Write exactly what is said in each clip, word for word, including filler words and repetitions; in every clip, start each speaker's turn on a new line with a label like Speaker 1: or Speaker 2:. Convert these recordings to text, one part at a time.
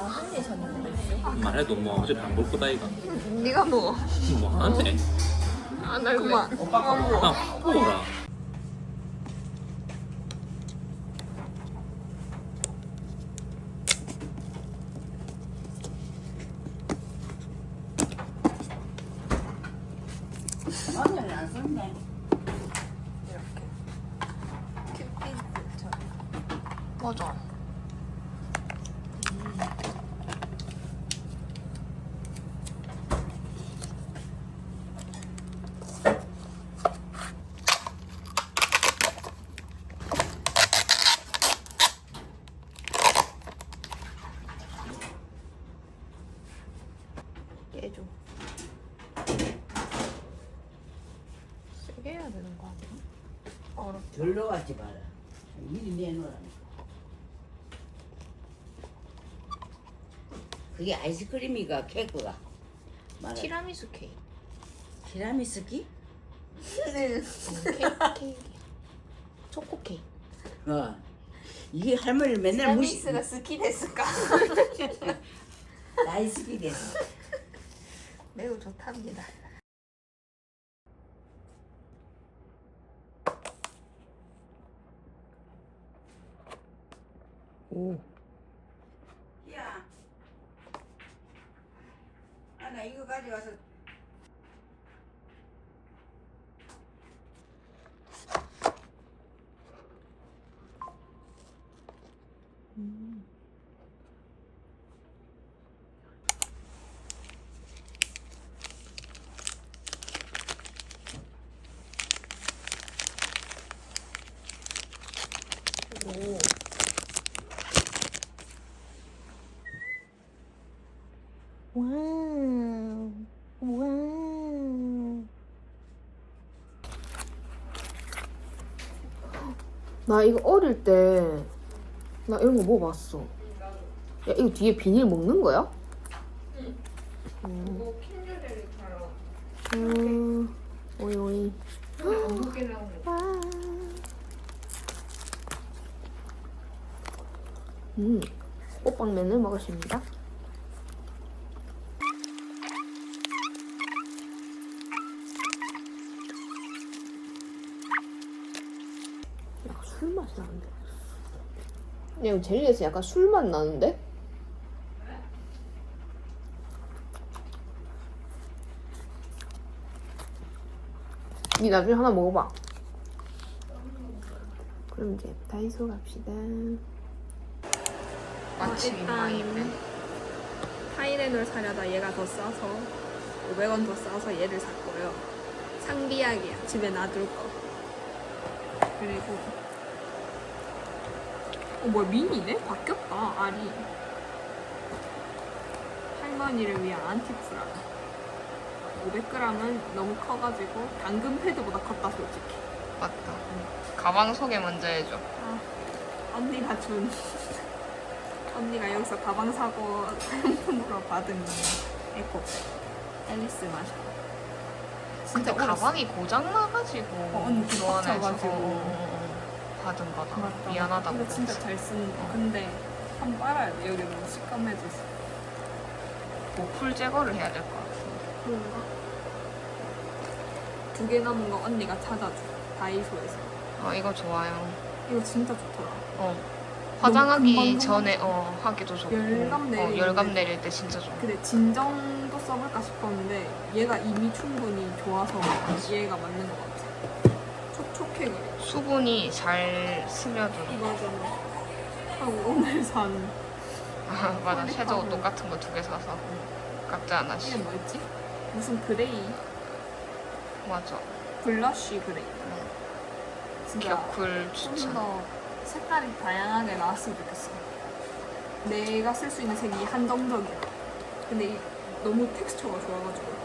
Speaker 1: 말해도 뭐 어차피 안 볼 거다 이가.
Speaker 2: 네가 누워.
Speaker 1: 뭐 하네.
Speaker 2: 안 할래. 그만. 그만 누워.
Speaker 1: 아, 뭐라.
Speaker 3: 마늘 안 썼네.
Speaker 2: 큐피드처럼. 맞아. 깨줘. 세게 해야 되는 거 아니야? 어렵다.
Speaker 3: 절로 가지 마라. 미리 내놓으라니까. 그게 아이스크림이가 케이크가. 말아.
Speaker 2: 티라미수 케이크.
Speaker 3: 티라미수기?
Speaker 2: 케이크, 케이크. 초코 케이크.
Speaker 3: 어. 이게 할머니를 맨날 무시.
Speaker 2: 티라미수가 스키 됐을까?
Speaker 3: 나이스기 됐어.
Speaker 2: 매우 좋답니다. 오.
Speaker 3: 야. 아, 나 이거 가져가서.
Speaker 2: 음. 오. 와우. 와우. 나 이거 어릴 때 나 이런 거 먹어봤어. 야, 이거 뒤에 비닐 먹는 거야? 응. 음.
Speaker 4: 뭐 캔들을 바로
Speaker 2: 음. 오이 오이.
Speaker 4: 어묵에 나오는 거.
Speaker 2: 와. 음. 호빵면을 먹었습니다. 약간 술 맛이 나는데. 야, 이거 젤리에서 약간 술 맛 나는데? 니 나중에 하나 먹어봐. 그럼 이제 다이소 갑시다. 마침 인망인데.
Speaker 4: 타이레놀 사려다 얘가 더 싸서 오백 원 더 싸서 얘를 샀고요. 상비약이야. 집에 놔둘 거. 그리고 어 뭐야 미니네? 바뀌었다 알이. 할머니를 위한 안티프라. 오백 그램은 너무 커가지고 당근 패드보다 컸다 솔직히.
Speaker 2: 맞다. 가방 소개 먼저 해줘.
Speaker 4: 아, 언니가 준 언니가 여기서 가방 사고 사용품으로 받은 에코백 앨리스 마셔.
Speaker 2: 근데
Speaker 4: 어렸어.
Speaker 2: 가방이 고장 나가지고
Speaker 4: 어, 언니
Speaker 2: 교환해서
Speaker 4: 빡쳐가지고.
Speaker 2: 어, 받은 거다.
Speaker 4: 맞다.
Speaker 2: 미안하다고.
Speaker 4: 근데 진짜 잘 쓰는 거. 근데 한번 빨아야 돼. 여기 너무 시커매졌어.
Speaker 2: 보풀 제거를 해야 될 것 같아.
Speaker 4: 그런가? 두 개 남은 거 언니가 찾아줘. 다이소에서.
Speaker 2: 어, 이거 좋아요.
Speaker 4: 이거 진짜 좋더라.
Speaker 2: 어. 화장하기
Speaker 4: 금방
Speaker 2: 전에 어 하기도 좋고.
Speaker 4: 열감 내릴
Speaker 2: 어, 열감
Speaker 4: 때.
Speaker 2: 내릴 때 진짜 좋고.
Speaker 4: 근데 진정도 써볼까 싶었는데 얘가 이미 충분히 좋아서 얘가 맞는 것 같아. 촉촉해 그래.
Speaker 2: 수분이 잘 스며들어.
Speaker 4: 이거잖아. 하고 오늘 산
Speaker 2: 아, 맞아.
Speaker 4: 퀄리티하고.
Speaker 2: 섀도우 똑같은 거 두 개 사서 각자
Speaker 4: 이게
Speaker 2: 하나씩.
Speaker 4: 뭐였지? 무슨 그레이
Speaker 2: 맞아.
Speaker 4: 블러쉬 그레이. 진짜
Speaker 2: 격쿨
Speaker 4: 좀
Speaker 2: 추천.
Speaker 4: 더 색깔이 다양하게 나왔으면 좋겠어. 내가 쓸 수 있는 색이 한정적이야. 근데 이, 너무 텍스처가 좋아가지고.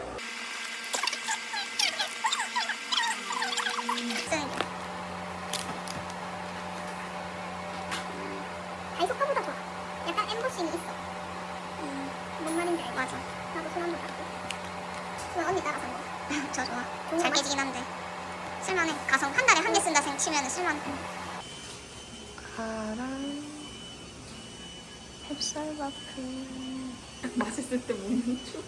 Speaker 5: 다이소 거보다 좋아. 약간 엠보싱이 있어. 음, 뭔 말인지 알지? 맞아. 나도 손 한번 닦고. 그건 언니 따라 산 거. 저 좋아. 잘 깨지긴 한데. 쓸만해. 가성 한 달에 한 개 쓴다 생 치면 쓸만해.
Speaker 2: 파랑 찹쌀바크.
Speaker 4: 맛있을 때 먹는 중.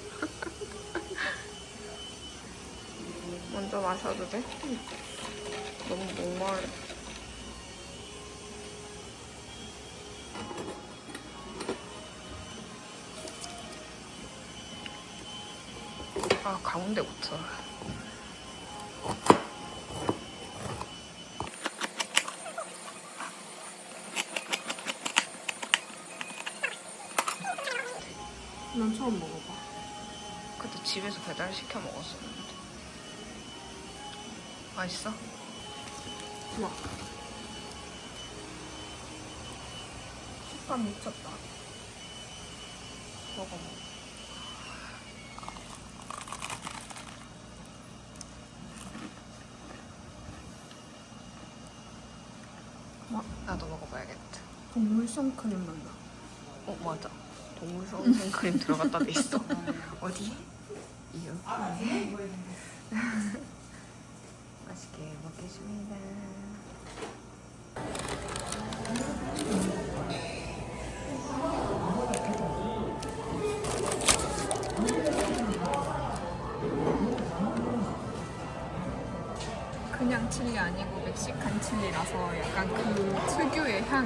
Speaker 2: 먼저 마셔도 돼? 너무 목마르. 아, 가운데부터.
Speaker 4: 난 처음 먹어봐.
Speaker 2: 그때 집에서 배달 시켜 먹었었는데. 맛있어?
Speaker 4: 좋아. 식감 미쳤다.
Speaker 2: 먹어 먹어. 나도 먹어봐야겠다.
Speaker 4: 동물 선크림 난다.
Speaker 2: 어 맞아. 동물성 생크림 들어갔다 돼 있어. 어디? 여기. 맛있게 먹겠습니다.
Speaker 4: 그냥 칠리 아니고 멕시칸 칠리라서 약간 그 특유의 향.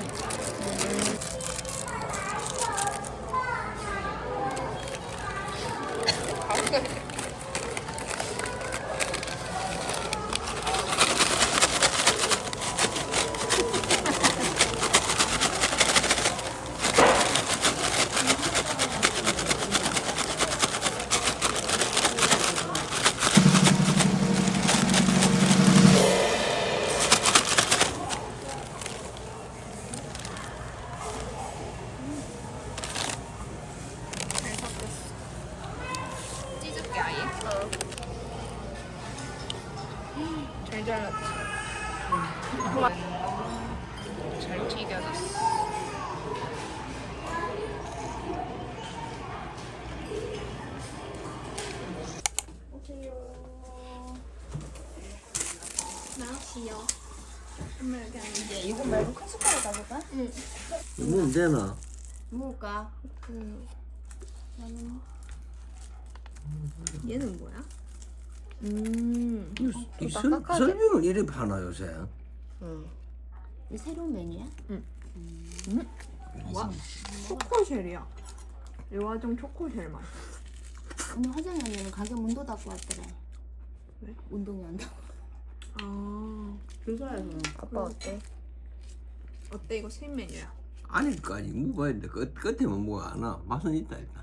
Speaker 4: 찢을게 아예.
Speaker 2: 잘 잘랐지. 잘 튀겨졌어.
Speaker 4: 나왔어요.
Speaker 3: 이거 말고 큰 숟가락 가져가?
Speaker 6: 먹으면 되나?
Speaker 3: 먹을까?
Speaker 4: 얘는 뭐야?
Speaker 2: 음.
Speaker 6: 이, 이 설, 설명을 이래 파나 요새?
Speaker 2: 응.
Speaker 3: 이 새로운 메뉴야?
Speaker 4: 와, 초코쉘이야. 일화정 초코쉘 맛.
Speaker 3: 오늘 화장이 언니는 가게 문도 닫고 왔더라.
Speaker 4: 왜?
Speaker 3: 운동이 안 되고.
Speaker 4: 아,
Speaker 3: 그거라서.
Speaker 2: 아빠 어때?
Speaker 4: 어때? 이거 신 메뉴야.
Speaker 6: 안에까지 먹어야 돼. 끝, 끝에만 먹어 안 와. 맛은 있다 일단.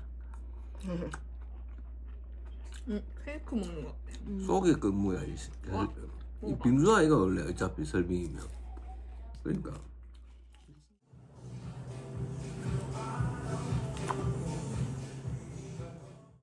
Speaker 4: 응, 케이크 먹는 것 같아.
Speaker 6: 속에 그 뭐야 이,
Speaker 4: 와.
Speaker 6: 이 빙수 아이가 원래 어차피 설빙이면 그러니까